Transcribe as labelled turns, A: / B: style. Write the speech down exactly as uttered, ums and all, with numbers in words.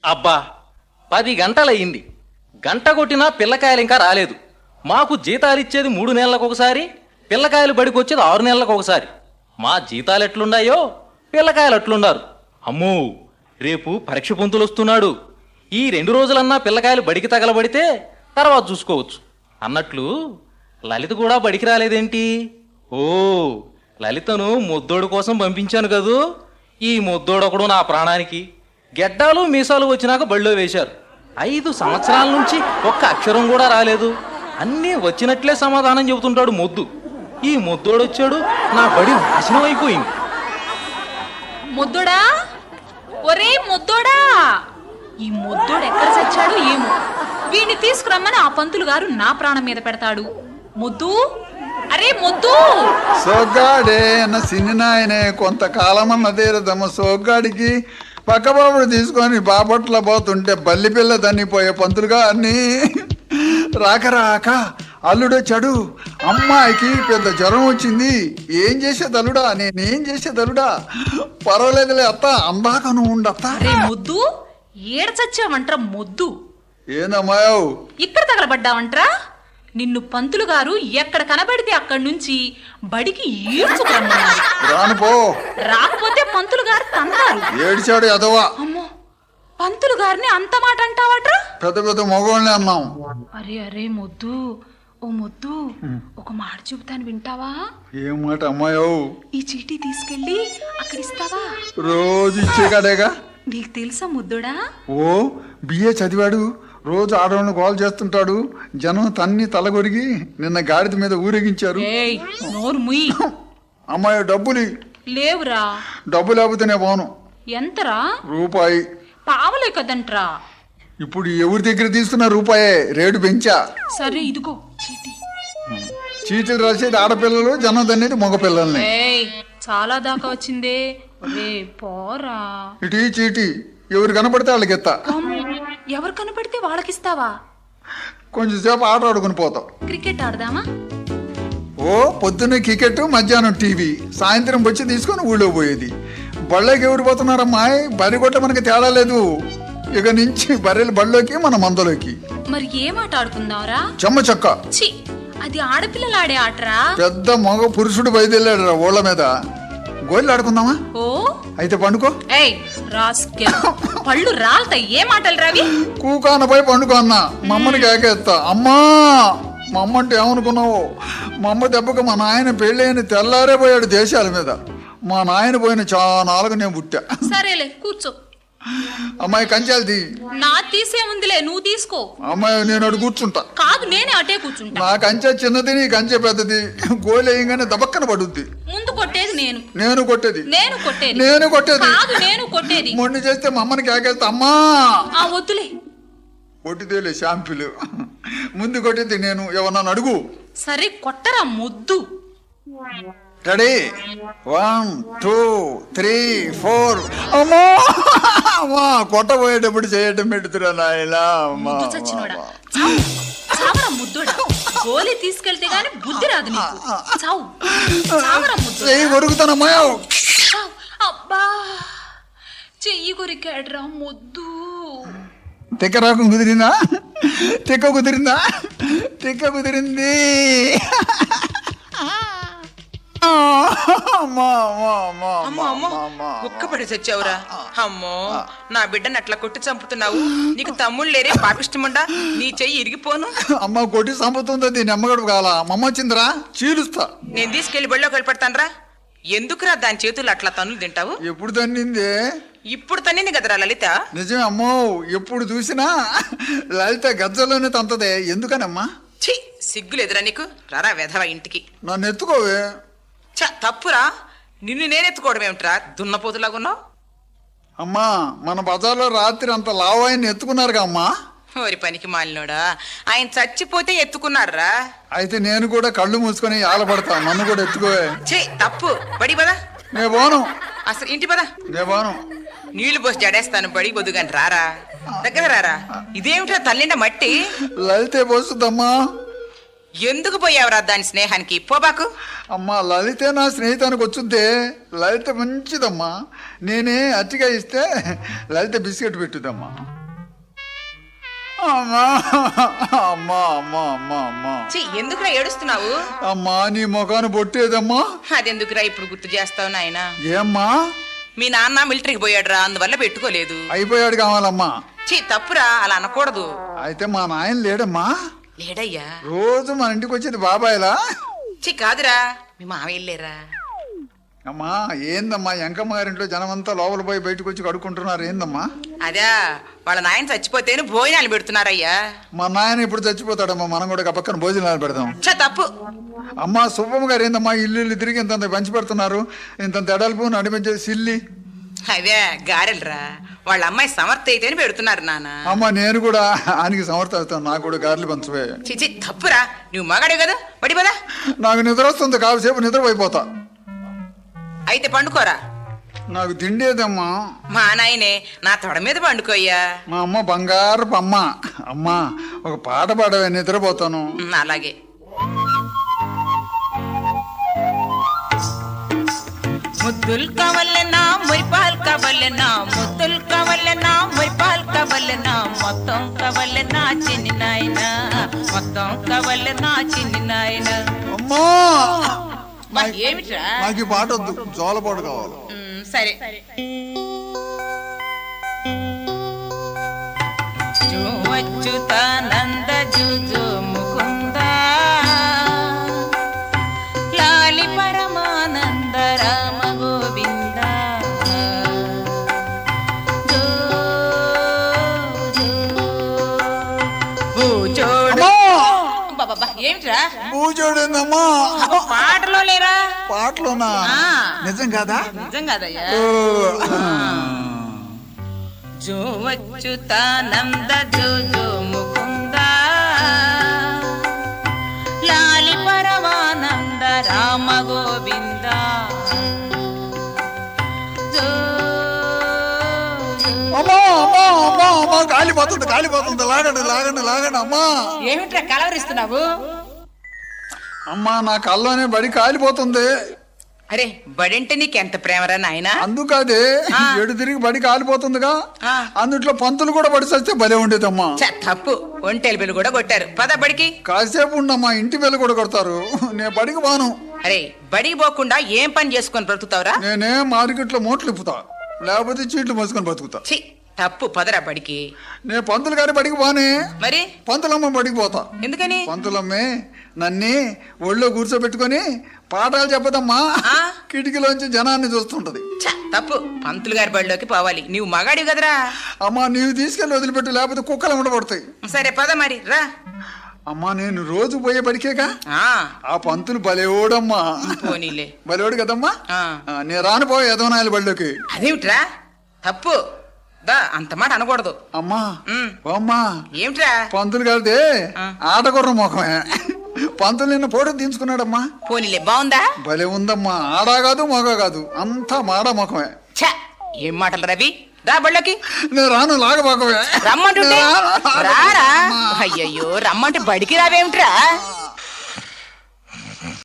A: అబ్బా, పది గంటలయ్యింది. గంట కొట్టినా పిల్లకాయలు ఇంకా రాలేదు. మాకు జీతాలు ఇచ్చేది మూడు నెలలకు ఒకసారి, పిల్లకాయలు బడికి వచ్చేది ఆరు నెలలకు ఒకసారి. మా జీతాలు ఎట్లున్నాయో పిల్లకాయలు అట్లున్నారు. అమ్మో, రేపు పరీక్ష పొంతులు వస్తున్నాడు. ఈ రెండు రోజులన్నా పిల్లకాయలు బడికి తగలబడితే తర్వాత చూసుకోవచ్చు అన్నట్లు లలిత కూడా బడికి రాలేదేంటి? ఓ, లలితను ముద్దోడు కోసం పంపించాను కదూ. ఈ ముద్దోడొకడు నా ప్రాణానికి. గెడ్డాలు మీసాలు వచ్చినాక బడిలో వేశారు. ఐదు సంవత్సరాల నుంచి ఒక్క అక్షరం కూడా రాలేదు. అన్నీ వచ్చినట్లే సమాధానం చెబుతుంటాడు మొద్దు. ఈ ముద్దోడొచ్చాడు, నా బడి నాశనం అయిపోయింది.
B: ముద్దోడా, ఒరే ముద్దోడా, ఈ ముద్దోడు ఎక్కడ చచ్చాడు ఏమో. వీడిని తీసుకురమ్మని ఆ పంతులు గారు నా ప్రాణం మీద పెడతాడు. ముద్దు, అరే ముద్దు.
C: సోగ్గాడే అన్న సిన్ని నాయనే కొంతకాలమన్న తీరదమ్మ. సోగ్గాడికి పక్కబాబుడు తీసుకొని బాపట్ల పోతుంటే బల్లి పిల్ల తన్నిపోయే పంతులుగా అన్ని రాక రాక అల్లుడు చెడు. అమ్మాయికి పెద్ద జ్వరం వచ్చింది. ఏం చేసేది అల్లుడా, నేనేం చేసేది అల్లుడా? పర్వాలేదులే అత్త, అందాక నువ్వు ఉండత్త.
B: అరే ముద్దు, ఏడ చచ్చావంట్రా ముద్దు?
C: ఏందమ్మాయవు
B: ఇక్కడ తగలబడ్డావంట్రా? నిన్ను పంతులు గారు ఎక్కడ కనబడితే అక్కడి నుంచి బడికి ఈడ్చుకురమ్మన్నారు.
C: రానుపో,
B: రాకపోతే పంతులు గారు తంతారు.
C: ఏడిచాడు ఎదవా.
B: అమ్మో, పంతులు గారిని అంత మాట అంటావట్రా?
C: పెద్ద పెద్ద మగవాళ్ళని అన్నాం.
B: అరే అరే ముద్దు, ఓ ముద్దు, ఒక మాట చెబుతాను వింటావా?
C: ఏం మాట అమ్మాయవు?
B: ఈ చీటీ తీసుకెళ్ళి అక్కడ ఇస్తావా?
C: రోజు ఇచ్చే కాడేగా.
B: నీకు తెలుసా ముద్దుడా?
C: ఓ, బిఏ చదివాడు. రోజు ఆడవాళ్ళని గోల్ చేస్తుంటాడు. జనం తన్ని తలగొరిగి నిన్న గాడిద మీద ఊరేగించారు.
B: ఏయ్, నోరు ముయ్.
C: అమ్మాయి డబ్బులు
B: లేవురా.
C: డబ్బు లేకపోతేనే పోను.
B: ఎంతరా?
C: రూపాయి.
B: పావలే కదంట్రా.
C: ఇప్పుడు ఎవరి దగ్గర తీసుకున్న రూపాయే, రేటు పెంచా.
B: సరే ఇదిగో చీటీ.
C: చీటీలు రాసేది ఆడపిల్లలు, జనం తన్నేది మగపిల్లల్ని.
B: ఏయ్, చాలా దాకా వచ్చిందే. ఒరే పోరా.
C: ఇటు ఈ చీటీ ఎవరు కనపడితే వాళ్ళకి ఎత్తా.
B: అమ్మో, ఎవరు కనపడితే వాళ్ళకిస్తావా?
C: కొంచెం సేపు ఆట ఆడుకుని పోతాం.
B: క్రికెట్ ఆడదామా?
C: ఓ, పొద్దున్నే క్రికెట్, మధ్యాహ్నం టీవీ, సాయంత్రం వచ్చి తీసుకొని ఊళ్ళో పోయేది. బళ్ళకి ఎవరు పోతున్నారమ్మా? బరి కొట్ట మనకి తేడా లేదు. ఇక నుంచి బర్రెలు బళ్ళలోకి, మన మందలోకి.
B: మరి ఏం ఆట ఆడుకుందాంరా?
C: చెమ్మ చెక్క.
B: చి, అది ఆడపిల్లలు ఆడే ఆటరా.
C: పెద్ద మగ పురుషుడు బయలుదేరాడు రా ఊళ్ళ మీద. గోళ్ళు ఆడుకుందామా?
B: ఓ,
C: అయితే పండుకో.
B: ఏయ్ రాస్కెల్, పళ్ళు రాల్తాయి. ఏ మాటలు రావి?
C: కూకానపై పండుకో అన్న. మమ్మని కేకేస్తా. అమ్మా, మా అమ్మ అంటే ఏమనుకున్నావు? మా అమ్మ దెబ్బకు మా నాయన పెళ్ళైన తెల్లారే పోయాడు దేశాల మీద. మా నాయన పోయిన చానాలుగు నేను పుట్టా.
B: సరేలే కూర్చో.
C: అమ్మాయి కంచాలది.
B: నా తీసే ఉందిలే, నువ్వు తీసుకో.
C: అమ్మాయి నేను అటు కూర్చుంటా.
B: కాదు, నేనే అటే కూర్చుంటా.
C: నా కంచె చిన్నది, నీ కంచె పెద్దది. గోలు వేయంగానే దబక్కన పడుద్ది.
B: ముందు కొట్టేది నేను.
C: నేను కొట్టేది.
B: నేను కొట్టేది.
C: నేను కొట్టేది.
B: కాదు, నేను కొట్టేది.
C: మొండి చేస్తే మా అమ్మని కేకేస్తా. అమ్మా,
B: ఆ వద్దులే.
C: కొట్టిదేలే షాంపులు. ముందు కొట్టేది నేను. ఎవరన్నా అడుగు.
B: సరే కొట్టరా ముద్దు.
C: Ready? One two three four. అమ్మా, అమ్మా, కొట్టబోయేటప్పుడు చేయటం పెడుతురా నాయనా.
B: ముద్దు చచ్చినోడా, చావు. చావరా ముద్దుడా. గోలి తీసుకెళ్తే గాని బుద్ధి రాదు నీకు. చావు. చావరా ముద్దు.
C: చెయ్యి కొరుకుతానమ్మా.
B: చావు. అబ్బా, చెయ్యి కొరికాడ్రా ముద్దు.
C: తిక్క రాకం కుదిరిందా? తిక్క కుదిరిందా? తిక్క కుదిరింది.
D: అమ్మో అమ్మో, కుక్కపడి చచ్చావురా. అమ్మో, నా బిడ్డను అట్లా కొట్టి చంపుతున్నావు. నీకు తమ్ముళ్ళు లేరే పాపిష్టముండా? నీ చెయ్యి ఇరిగిపోను.
C: అమ్మ కొట్టి చంపుతుంది. దీన్ని అమ్మగడు కాల. మమ్మ వచ్చిందిరా, చీలుస్తా.
D: నేను తీసుకెళ్లి బడిలో కలిపెడతానరా. ఎందుకురా దాని చేతులు అట్లా తన్నులు తింటావు?
C: ఎప్పుడు తన్నింది?
D: ఇప్పుడు తన్నింది కదరా లలిత.
C: నిజమే అమ్మో, ఎప్పుడు చూసినా లలిత గజ్జలోనే తంతదే. ఎందుకనమ్మా?
D: ఛీ, సిగ్గులేదురా నీకు? రారా వెధవా ఇంటికి.
C: నన్ను ఎత్తుకోవే.
D: చ తప్పురా. నిన్ను నేనెత్తుకోవడం ఏమిట్రా, దున్నపోతులాగున్నావు?
C: అమ్మా, మన బజార్లో రాత్రి అంత లావాయిని ఎత్తుకున్నారుగా అమ్మా.
D: ఓరి పనికి మాలినోడా, ఆయన చచ్చిపోతే ఎత్తుకున్నారా?
C: అయితే నేను కూడా కళ్ళు మూసుకొని ఆలపడతా. నన్ను కూడా ఎత్తుకోవే.
D: ఛీ, తప్పు. బడి పదా.
C: నే పోను.
D: అసలు ఇంటి పదా.
C: నే పోను.
D: నీళ్లు పోసి జడేస్తాను. బడి బొద్దుగాని రారా, దగ్గర రారా. ఇదేమిటో తల్లిండ మట్టి.
C: లలితే పోస్తుందమ్మా.
D: ఎందుకు పోయావురా దాని స్నేహానికి పోబాకు.
C: అమ్మా లలితే నా స్నేహితానికి వచ్చుద్దే. లలిత మంచిదమ్మా. నేనే అట్టిగా ఇస్తే లలిత బిస్కెట్ పెట్టుదమ్మా. అమ్మా అమ్మా అమ్మా అమ్మా అమ్మా
D: ఛీ, ఎందుకురా ఏడుస్తున్నావు?
C: అమ్మా నీ ముఖాన్ని బొట్టేదమ్మా.
D: అదెందుకురా ఇప్పుడు గుర్తు చేస్తావు నాయనా?
C: ఏమ్మా?
D: మీ నాన్న మిలిటరీకి పోయాడురా, అందువల్ల పెట్టుకోలేదు.
C: అయిపోయాడు కావాలమ్మా.
D: చీ, తప్పురా, అలా అనకూడదు.
C: అయితే మా నాయన లేడమ్మా.
D: లేడయ్యా.
C: రోజు మన ఇంటికి వచ్చేది బాబాయ్లా.
D: చీ, కాదురా, మీ మావయ్య లేరా?
C: అమ్మా ఏందమ్మా ఎంకమ్మ గారింట్లో జనమంతా లోపల పోయి బయటకు వచ్చి కడుక్కుంటున్నారు ఏందమ్మా?
D: అదా వాళ్ళ నాయన చచ్చిపోతేనే భోజనాలు పెడుతున్నారయ్యా.
C: మా నాయన ఇప్పుడు చచ్చిపోతాడమ్మా, మనం కూడా పక్కన భోజనాలు పెడదాం.
D: చ తప్పు.
C: అమ్మా సుబ్బమ్మ గారు ఏందమ్మా ఇల్లు ఇల్లు తిరిగి ఇంత పంచి పెడుతున్నారు, ఇంత ఎడల్పు నడిపించే సిల్లి.
D: అదే గారెలరా, వాళ్ళ అమ్మాయి సమర్థ అయితేనే పెడుతున్నారు నాన్న.
C: అమ్మా నేను కూడా ఆయనకి సమర్థ అవుతాను, నాకు కూడా గారెలు పంచవే.
D: చిచి తప్పురా, నువ్వు మగాడే కదా, పడి పదా.
C: నాకు నిద్ర వస్తుంది, కాసేపు నిద్రపోయిపోతా.
D: అయితే పండుకోరా.
C: నాకు తిండేదమ్మా.
D: మా నాయనే నా తొడ మీద పండుకోయ్యా.
C: మా అమ్మ బంగారపు అమ్మ. అమ్మా ఒక పాట పాడవే, నిద్రపోతాను.
D: ఉమ్, అలాగే. ముద్దులు కావాలన్నా మురిపాలు కావాలన్నా, ముద్దులు కావాలన్నా మురిపాలు కావాలన్నా, మొత్తం కావాలన్నా చిన్ని నాయన, మొత్తం కావాలన్నా చిన్ని నాయన.
C: అమ్మా
D: ఏమిట్రా?
C: నాకు ఈ పాట వద్దు, జోల పాట కావాలి.
D: ఉమ్, సరే. అచ్యుతానంద జుజు ముకుంద లాలి పరమానంద రామ గోవింద జో జో భూజోడు. బాబా ఏమిట్రా?
C: పూజోడేందమ్మా?
D: పాటలో లేరా?
C: పాటలోనా? నిజం కాదా?
D: నిజం కాదయ్యా. జో అచ్యుతానంద జో జో ముకుంద లాలి పరమానంద రామ గోవింద జో
C: అమ్మా అమ్మా అమ్మా అమ్మా కాలిపోతుంది కాలిపోతుంది, లాగండి లాగండి లాగండి. అమ్మా
D: ఏమిట్రా కలవరిస్తున్నావు?
C: అమ్మా నా కల్లోనే బడి కాలిపోతుంది.
D: అరే బడంటే నీకెంత ప్రేమరా నాయనా?
C: అందుకదే ఎడు తిరిగి బడి కాలిపోతుందిగా,
D: ఆ.
C: అందుట్లో పంతులు కూడా బడి చస్తే భలే ఉండేదమ్మా.
D: ఛ, తప్పు. ఒంటెలు బిల్లు కూడా కొట్టారు. పద బడికి.
C: కాసేపు ఉండమ్మా, ఇంటి వెళ్ళి కూడా కొడతారు. నేను బడికి బాను.
D: అరే బడికి పోకుండా ఏం పని చేసుకొని బ్రతుకుతావురా?
C: నేనే మార్కెట్లో మూటలు ఇప్పుతా, లేకపోతే చీట్లు మోసుకొని బతుకుతా.
D: ఛీ, తప్పు. పదరా బడికి.
C: నేను పంతులు గారి బడికి బానే,
D: మరి
C: పంతులమ్మ బడికి పోతా.
D: ఎందుకని?
C: పంతులమ్మే నన్ను ఒళ్ళో కూర్చోబెట్టుకొని పాఠాలు చెప్పదమ్మా,
D: ఆ?
C: కిటికీలోంచి జనాన్ని చూస్తుంటది.
D: ఛ, తప్పు. పంతులు గారి బడిలోకి పోవాలి. నీవు మగాడివి కదరా.
C: అమ్మా నీవు తీసుకెళ్ళి వదిలిపెట్టు, లేకపోతే కుక్కలు ఉండబడతాయి.
D: సరే పద మరి రా.
C: అమ్మా నేను రోజు పోయే బడికేగా.
D: ఆ
C: ఆ పంతులు బలేోడమ్మా.
D: పోనీలే.
C: బలేోడు కదమ్మా.
D: ఆ.
C: ఆ, నేను రాను పోయే యదవనాయల బడిలోకి.
D: అదేమిట్రా? తప్పు. దా అంత మాట అనకూడదు.
C: అమ్మా
D: ఉమ్.
C: ఓ అమ్మా
D: ఏమిట్రా?
C: పంతులు గారిదే
D: ఆ.
C: ఆటగుర్ర ముఖమే. పంతులు నిన్న పోటీ తీయించుకున్నాడమ్మా.
D: పోనీలే, బాగుందా?
C: భలే ఉందమ్మా, ఆడా కాదు మగ కాదు, అంతా మాడ ముఖమే.
D: ఛ, ఏం మాటలు రవి? రా బళ్ళకి.
C: నేను రాను లాగబాకమే.
D: రమ్మంటుంటే
C: నేను రాను.
D: రారా. అయ్యయ్యో రమ్మంటే బడికి రావేమిట్రా?